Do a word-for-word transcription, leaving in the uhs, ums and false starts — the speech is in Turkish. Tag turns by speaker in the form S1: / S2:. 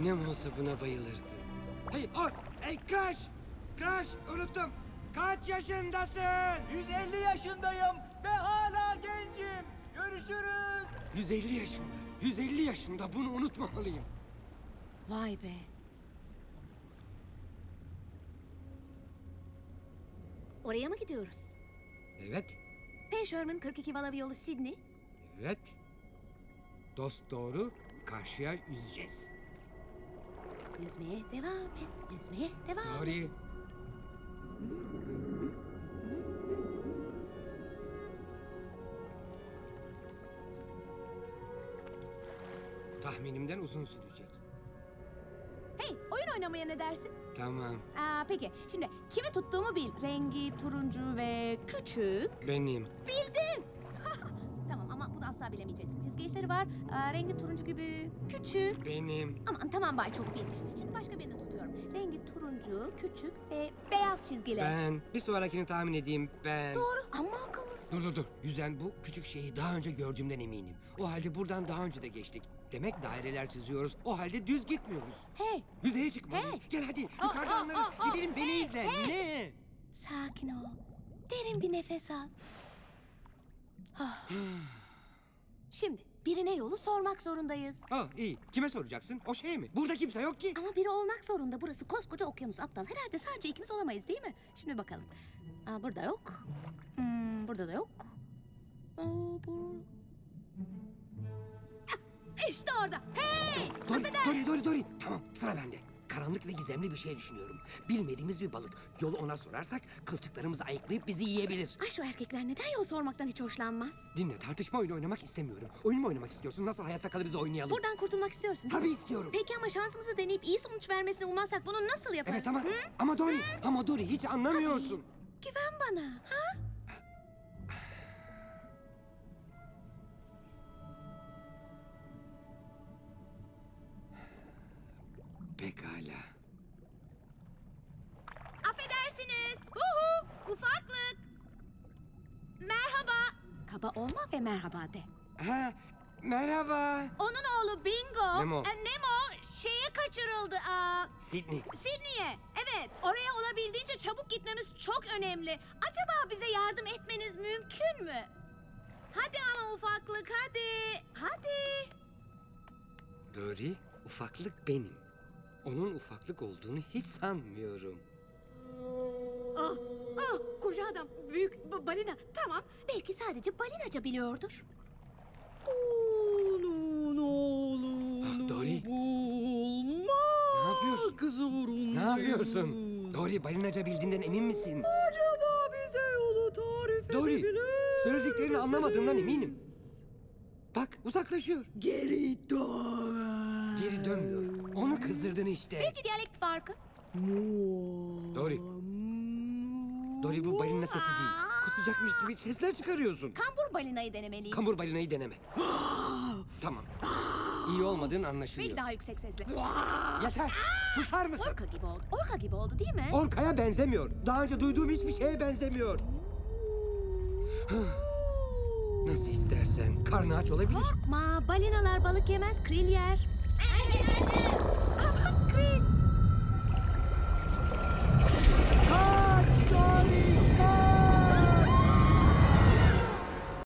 S1: Annem olsa buna bayılırdı. Hey, o, hey Crash! Crash, unuttum. Kaç yaşındasın?
S2: yüz elli yaşındayım ve hala gencim. Görüşürüz.
S1: yüz elli yaşında. yüz elli yaşında, bunu unutmamalıyım.
S3: Vay be. Oraya mı gidiyoruz?
S1: Evet,
S3: P. Sherman kırk iki Valavi yolu Sydney.
S1: evet. Dost doğru, karşıya yüzeceğiz.
S3: Yüzmeye devam et. Yüzmeye devam et.
S1: Doğru. Tahminimden uzun sürecek.
S3: Hey, oyun oynamaya ne dersin?
S1: Tamam,
S3: Aa, peki, şimdi kimi tuttuğumu bil. Rengi turuncu ve küçük.
S1: benim.
S3: Bildin. Tamam ama bunu asla bilemeyeceksin. Yüzgeçleri var. Aa, rengi turuncu gibi küçük.
S1: Benim.
S3: Aman tamam Bay çok bilmiş. Şimdi başka birini tutuyorum. Rengi turuncu, küçük ve beyaz çizgili.
S1: Ben. Bir sonrakini tahmin edeyim, ben.
S3: Doğru ama akıllısın.
S1: Dur dur dur. Yüzen bu küçük şeyi daha önce gördüğümden eminim. O halde buradan daha önce de geçtik. Demek daireler çiziyoruz. O halde düz gitmiyoruz.
S3: Hey,
S1: Yüzeye çıkmalıyız.
S3: Hey!
S1: Gel hadi.
S3: Aa,
S1: Yukarıda
S3: aa,
S1: anlarız.
S3: aa, aa.
S1: Gidelim beni
S3: Hey,
S1: izle.
S3: hey!
S1: Ne?
S3: sakin ol. Derin bir nefes al. Ah. Şimdi birine yolu sormak zorundayız.
S1: Ha iyi. Kime soracaksın? O şey mi? Burada kimse yok ki.
S3: Ama biri olmak zorunda. Burası koskoca okyanus aptal. Herhalde sadece ikimiz olamayız değil mi? Şimdi bakalım. Aa, burada yok. Hmm, burada da yok. Aa, bu... Ah, İşte orada. Hey!
S1: Dori, Dori, Dori, Dori. Tamam, sıra bende. Karanlık ve gizemli bir şey düşünüyorum. Bilmediğimiz bir balık. Yolu ona sorarsak kılçıklarımızı ayıklayıp bizi yiyebilir.
S3: Ay şu erkekler neden yol sormaktan hiç hoşlanmaz?
S1: Dinle, tartışma oyunu oynamak istemiyorum. Oyun mu oynamak istiyorsun? Nasıl hayatta kalırız oynayalım?
S3: Buradan kurtulmak istiyorsun.
S1: Tabii istiyorum.
S3: Peki ama şansımızı deneyip iyi sonuç vermesini ummazsak bunu nasıl yaparız?
S1: Evet ama
S3: Hı?
S1: ama Dori, ama Dori hiç anlamıyorsun.
S3: Güven bana. Ha?
S1: Pekala.
S3: Affedersiniz. Uhu, ufaklık. Merhaba. Kaba olma ve merhaba de.
S1: Ha, merhaba.
S3: Onun oğlu Bingo.
S1: Nemo.
S3: e, Nemo şeye kaçırıldı. Aa,
S1: Sydney.
S3: Sydney'e. Evet. Oraya olabildiğince çabuk gitmemiz çok önemli. Acaba bize yardım etmeniz mümkün mü? Hadi ama ufaklık hadi. Hadi.
S1: Dori, ufaklık benim. Onun ufaklık olduğunu hiç sanmıyorum.
S3: Ah, ah, koca adam, büyük ba- balina. Tamam, belki sadece balinaca biliyordur.
S1: Ah, Dori. Ne yapıyorsun? Ne yapıyorsun? Dori, balinaca bildiğinden emin misin?
S2: Acaba bize yolu tarif
S1: Dori,
S2: edebilir
S1: söylediklerini
S2: misiniz?
S1: anlamadığından eminim. Bak, uzaklaşıyor.
S2: Geri dön.
S1: Geri dönmüyor. Onu kızdırdın işte.
S3: Belki diyalekt farkı.
S1: Dori. Dori, bu balina sesi değil. Kusacakmış gibi sesler çıkarıyorsun.
S3: Kambur balinayı denemeliyim.
S1: Kambur balinayı deneme. Tamam. İyi olmadığın anlaşılıyor.
S3: Belki daha yüksek sesle.
S1: Yeter. Susar mısın?
S3: Orka gibi oldu. Orka gibi oldu değil mi?
S1: Orkaya benzemiyor. Daha önce duyduğum hiçbir şeye benzemiyor. Nasıl istersen. Karnı aç olabilir.
S3: Korkma, balinalar balık yemez, kril yer.